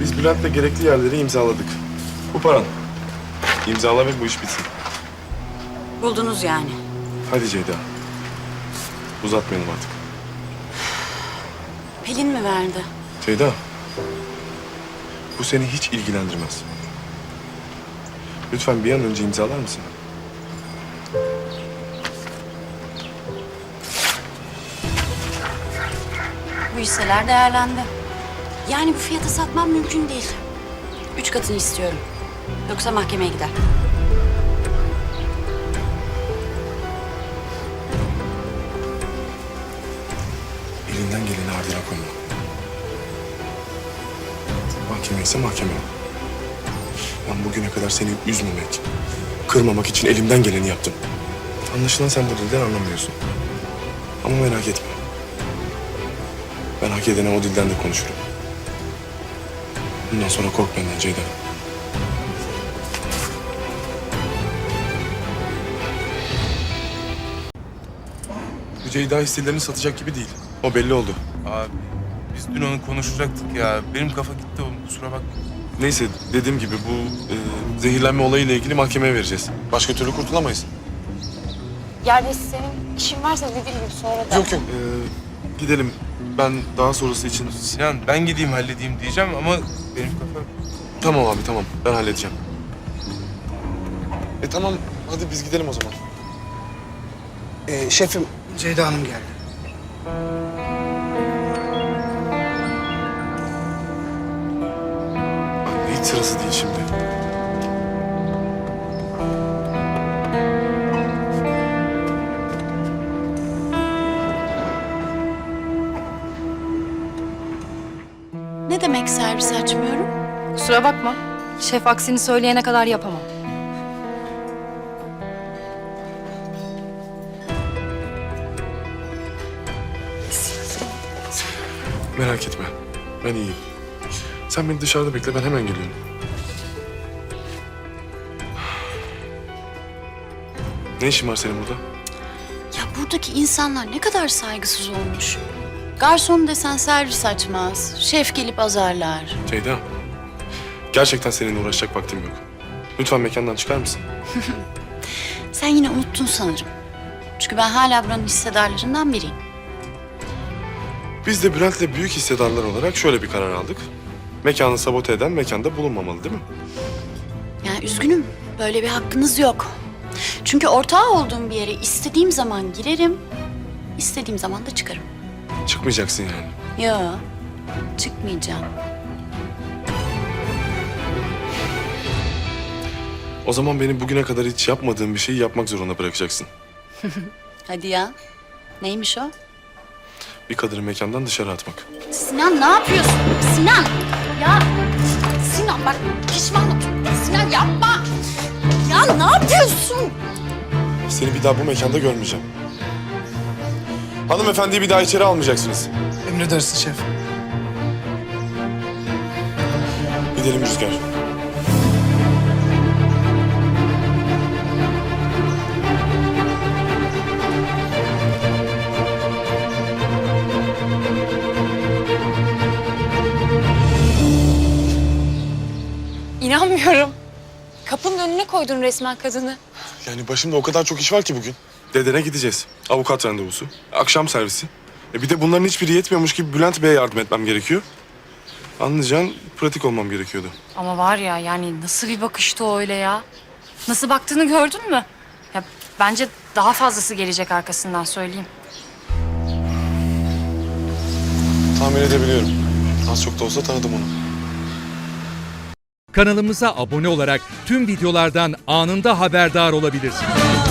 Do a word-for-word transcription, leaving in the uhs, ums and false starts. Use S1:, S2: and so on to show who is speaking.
S1: Biz Bülent'le gerekli yerleri imzaladık. Bu paran. İmzala ve bu iş bitsin.
S2: Buldunuz yani.
S1: Hadi Ceyda. Uzatmayalım artık.
S2: Pelin mi verdi?
S1: Ceyda. Bu seni hiç ilgilendirmez. Lütfen bir an önce imzalar mısın?
S2: Bu hisseler değerlendi. Yani bu fiyata satmam mümkün değil. Üç katını istiyorum. Yoksa mahkemeye gider.
S1: Elinden geleni ardına koyma. Mahkeme ise mahkeme. Ben bugüne kadar seni üzmemek, kırmamak için elimden geleni yaptım. Anlaşılan sen bu dilden anlamıyorsun. Ama merak etme. Ben hak edene o dilden de konuşurum. Bundan sonra kork benden Ceyda. Bu Ceyda hisselerini satacak gibi değil. O belli oldu.
S3: Abi biz dün onu konuşacaktık ya. Benim kafa gitti oğlum, kusura bakma.
S1: Neyse dediğim gibi bu e, zehirlenme olayıyla ilgili mahkemeye vereceğiz. Başka türlü kurtulamayız.
S4: Yani senin işin varsa dediğim gibi sonra da...
S1: Yok yok. Ee, gidelim. Ben daha sonrası için...
S3: Sinan ben gideyim halledeyim diyeceğim ama benim kafa...
S1: Tamam abi tamam. Ben halledeceğim. E tamam. Hadi biz gidelim o zaman.
S5: Ee, şefim, Ceyda Hanım geldi.
S1: Hiç sırası değil şimdi.
S2: Ne demek servis açmıyorum?
S4: Kusura bakma. Şef aksini söyleyene kadar yapamam.
S1: Merak etme. Ben iyiyim. Sen beni dışarıda bekle. Ben hemen geliyorum. Ne işin var senin burada?
S2: Ya buradaki insanlar ne kadar saygısız olmuş. Garson desen servis açmaz. Şef gelip azarlar.
S1: Ceyda. Gerçekten seninle uğraşacak vaktim yok. Lütfen mekandan çıkar mısın?
S2: Sen yine unuttun sanırım. Çünkü ben hala buranın hissedarlarından biriyim.
S1: Biz de Bülent'le büyük hissedarlar olarak şöyle bir karar aldık. Mekanı sabote eden mekanda bulunmamalı değil mi?
S2: Yani üzgünüm. Böyle bir hakkınız yok. Çünkü ortağı olduğum bir yere istediğim zaman girerim, istediğim zaman da çıkarım.
S1: Çıkmayacaksın yani.
S2: Yo, çıkmayacağım.
S1: O zaman beni bugüne kadar hiç yapmadığım bir şeyi yapmak zorunda bırakacaksın.
S2: Hadi ya. Neymiş o?
S1: Bir kadını mekandan dışarı atmak.
S2: Sinan ne yapıyorsun? Sinan! Ya Sinan bak pişman oldum. Sinan yapma! Ya ne yapıyorsun?
S1: Seni bir daha bu mekanda görmeyeceğim. Hanımefendiyi bir daha içeri almayacaksınız.
S5: Emredersin şef.
S1: Gidelim Rüzgar.
S4: İnanmıyorum. Kapının önüne koydun resmen kadını.
S1: Yani başımda o kadar çok iş var ki bugün. Dedene gideceğiz. Avukat randevusu. Akşam servisi. E bir de bunların hiçbiri yetmiyormuş gibi Bülent Bey'e yardım etmem gerekiyor. Anlayacağın pratik olmam gerekiyordu.
S4: Ama var ya yani nasıl bir bakıştı o öyle ya? Nasıl baktığını gördün mü? Ya bence daha fazlası gelecek arkasından söyleyeyim.
S1: Tahmin edebiliyorum. Az çok da olsa tanıdım onu.
S6: Kanalımıza abone olarak tüm videolardan anında haberdar olabilirsiniz.